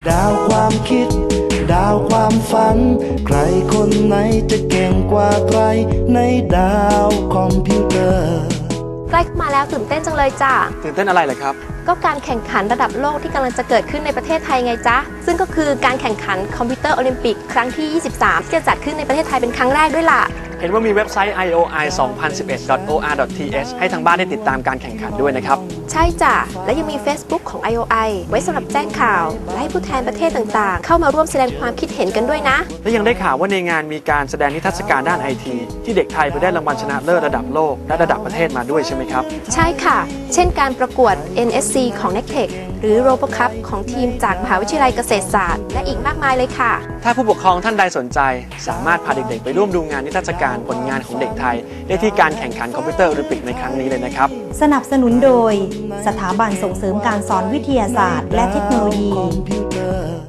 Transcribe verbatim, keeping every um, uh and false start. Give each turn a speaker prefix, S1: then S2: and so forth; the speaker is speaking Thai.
S1: ดาวความคิดดาวความฝันใครคนไหนจะเก่งกว่าใครในดาวคอมพิวเตอร์
S2: ใกล้มาแล้วตื่นเต้นจังเลยจ้ะ
S3: ตื่นเต้นอะไรเลยครับ
S2: ก็การแข่งขันระดับโลกที่กำลังจะเกิดขึ้นในประเทศไทยไงจ๊ะซึ่งก็คือการแข่งขันคอมพิวเตอร์โอลิมปิกครั้งที่ ยี่สิบสาม ที่จะจัดขึ้นในประเทศไทยเป็นครั้งแรกด้วยล่ะ
S3: เห็นว่ามีเว็บไซต์ ไอ โอ ไอ สองพันสิบเอ็ด ดอท โอ อาร์ ดอท ที เอช ให้ทางบ้านได้ติดตามการแข่งขันด้วยนะครับ
S2: ใช่จ้ะและยังมี Facebook ของ ไอ โอ ไอ ไว้สำหรับแจ้งข่าวและให้ผู้แทนประเทศต่างๆเข้ามาร่วมแสดงความคิดเห็นกันด้วยนะ
S3: และยังได้ข่าวว่าในงานมีการแสดงนิทรรศการด้านไอทีที่เด็กไทยไปได้รางวัลชนะเลิศระดับโลกและระดับประเทศมาด้วยใช่ไหมครับ
S2: ใช่ค่ะเช่นการประกวด เอ็น เอส ซี ของ เน็กเทค หรือ โรโบคัพ ของทีมจากมหาวิทยาลัยเกษตรศาสตร์และอีกมากมายเลยค่ะ
S3: ถ้าผู้ปกครองท่านใดสนใจสามารถพาเด็กๆไปร่วมดูงานนิทรรศการผลงานของเด็กไทยได้ที่การแข่งขันคอมพิวเตอร์โอลิมปิกในครั้งนี้เลยนะครับ
S4: สนับสนุนโดยสถาบันส่งเสริมการสอนวิทยาศาสตร์และเทคโนโลยี